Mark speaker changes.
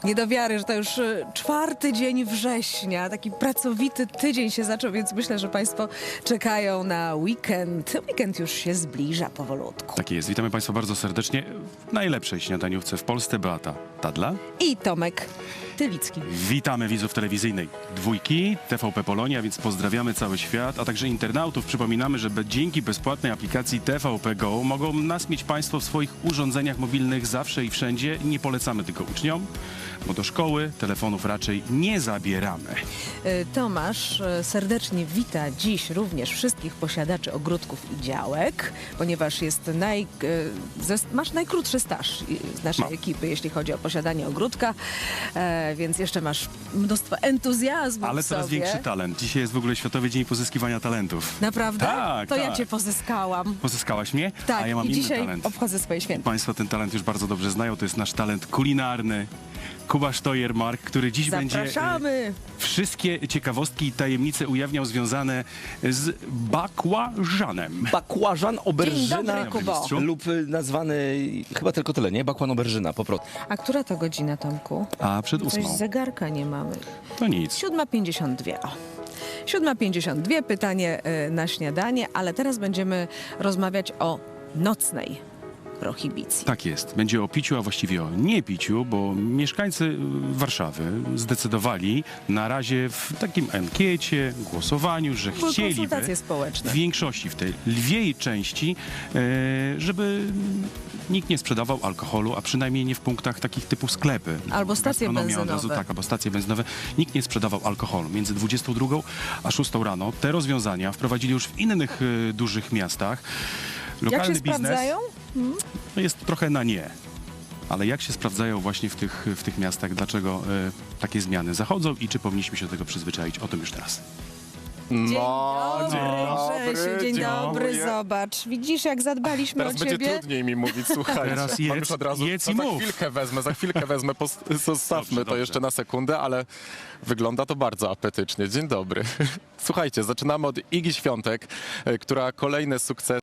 Speaker 1: Nie do wiary, że to już czwarty dzień września, taki pracowity tydzień się zaczął, więc myślę, że Państwo czekają na weekend. Weekend już się zbliża powolutku.
Speaker 2: Tak jest. Witamy Państwa bardzo serdecznie w najlepszej śniadaniówce w Polsce. Beata Tadla.
Speaker 1: I Tomek Tylicki.
Speaker 2: Witamy widzów telewizyjnej Dwójki, TVP Polonia, więc pozdrawiamy cały świat, a także internautów. Przypominamy, że dzięki bezpłatnej aplikacji TVP Go mogą nas mieć Państwo w swoich urządzeniach mobilnych zawsze i wszędzie. Nie polecamy tylko uczniom, bo do szkoły telefonów raczej nie zabieramy.
Speaker 1: Tomasz serdecznie wita dziś również wszystkich posiadaczy ogródków i działek, ponieważ jest masz najkrótszy staż z naszej ekipy, jeśli chodzi o posiadanie ogródka, więc jeszcze masz mnóstwo entuzjazmu
Speaker 2: Ale
Speaker 1: w
Speaker 2: coraz
Speaker 1: sobie.
Speaker 2: większy talent. Dzisiaj jest w ogóle Światowy Dzień Pozyskiwania Talentów.
Speaker 1: Naprawdę?
Speaker 2: Tak,
Speaker 1: To ja
Speaker 2: tak.
Speaker 1: cię pozyskałam.
Speaker 2: Pozyskałaś mnie?
Speaker 1: Tak,
Speaker 2: A ja mam
Speaker 1: i
Speaker 2: inny
Speaker 1: dzisiaj
Speaker 2: talent.
Speaker 1: obchodzę swoje święta.
Speaker 2: Państwo ten talent już bardzo dobrze znają. To jest nasz talent kulinarny. Kuba Sztojermark, który dziś będzie
Speaker 1: Zapraszamy!
Speaker 2: wszystkie ciekawostki i tajemnice ujawniał związane z bakłażanem.
Speaker 3: Bakłażan,
Speaker 1: Dzień
Speaker 3: oberżyna
Speaker 1: dobry, Kubo.
Speaker 2: mistrzu.
Speaker 3: lub nazwany, chyba tylko tyle, nie? Bakłan, oberżyna, po prostu.
Speaker 1: A która to godzina, Tomku?
Speaker 2: A przed
Speaker 1: Coś z
Speaker 2: 8.
Speaker 1: zegarka nie mamy.
Speaker 2: To nic.
Speaker 1: 7:52. O. 7:52, pytanie na śniadanie, ale teraz będziemy rozmawiać o nocnej prohibicji.
Speaker 2: Tak jest. Będzie o piciu, a właściwie o niepiciu, bo mieszkańcy Warszawy zdecydowali na razie w takim ankiecie, głosowaniu, że
Speaker 1: Były
Speaker 2: chcieliby
Speaker 1: konsultacje
Speaker 2: w
Speaker 1: społeczne.
Speaker 2: większości, w tej lwiej części, żeby nikt nie sprzedawał alkoholu, a przynajmniej nie w punktach takich typu sklepy.
Speaker 1: Albo stacje
Speaker 2: Gastronomia od razu,
Speaker 1: benzynowe.
Speaker 2: tak, albo stacje benzynowe. Nikt nie sprzedawał alkoholu. Między 22 a 6 rano te rozwiązania wprowadzili już w innych dużych miastach.
Speaker 1: Jak
Speaker 2: Lokalny
Speaker 1: się
Speaker 2: biznes
Speaker 1: sprawdzają?
Speaker 2: jest trochę na nie. Ale jak się sprawdzają właśnie w tych miastach? Dlaczego takie zmiany zachodzą i czy powinniśmy się do tego przyzwyczaić? O tym już teraz.
Speaker 1: Dzień
Speaker 4: No,
Speaker 1: dobry, Grzesiu, dzień dobry,
Speaker 4: dziękuję.
Speaker 1: zobacz. Widzisz, jak zadbaliśmy
Speaker 4: Teraz
Speaker 1: o
Speaker 4: będzie
Speaker 1: ciebie?
Speaker 4: trudniej mi mówić, słuchajcie.
Speaker 2: Teraz
Speaker 4: Mam
Speaker 2: jedz-
Speaker 4: już od razu,
Speaker 2: jedz
Speaker 4: to
Speaker 2: i
Speaker 4: za
Speaker 2: mów.
Speaker 4: chwilkę wezmę, zostawmy
Speaker 2: Dobrze,
Speaker 4: to jeszcze na sekundę, ale wygląda to bardzo apetycznie. Dzień dobry. Słuchajcie, zaczynamy od Igi Świątek, która kolejne sukcesy